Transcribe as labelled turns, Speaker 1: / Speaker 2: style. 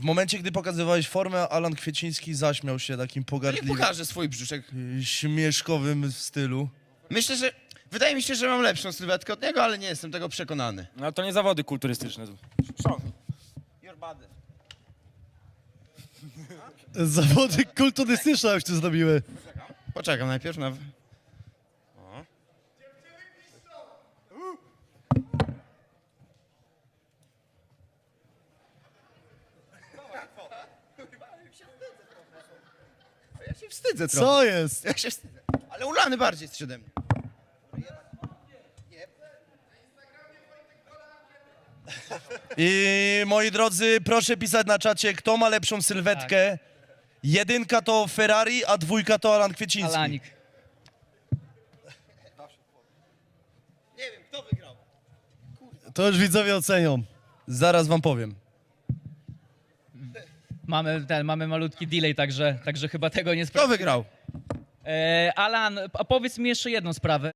Speaker 1: W momencie, gdy pokazywałeś formę, Alan Kwieciński zaśmiał się takim
Speaker 2: Niech
Speaker 1: pogardliwym,
Speaker 2: pokaże swój brzuszek.
Speaker 1: śmieszkowym stylu.
Speaker 2: Myślę, że... Wydaje mi się, że mam lepszą sylwetkę od niego, ale nie jestem tego przekonany.
Speaker 3: No to nie zawody kulturystyczne.
Speaker 2: Your body.
Speaker 4: Zawody kulturystyczne już tu zrobiły.
Speaker 2: Poczekam najpierw na... Ja się wstydzę trochę.
Speaker 4: Co jest?
Speaker 2: Ja się wstydzę. Ale ulany bardziej jest ode mnie.
Speaker 1: I moi drodzy, proszę pisać na czacie, kto ma lepszą sylwetkę. Jedynka to Ferrari, a dwójka to Alan Kwieciński.
Speaker 5: Alanik.
Speaker 2: Nie wiem, kto wygrał.
Speaker 4: To już widzowie ocenią.
Speaker 1: Zaraz wam powiem.
Speaker 5: Mamy malutki delay, także chyba tego nie
Speaker 2: Kto
Speaker 5: sprawdzimy.
Speaker 2: wygrał?
Speaker 5: Alan, a powiedz mi jeszcze jedną sprawę.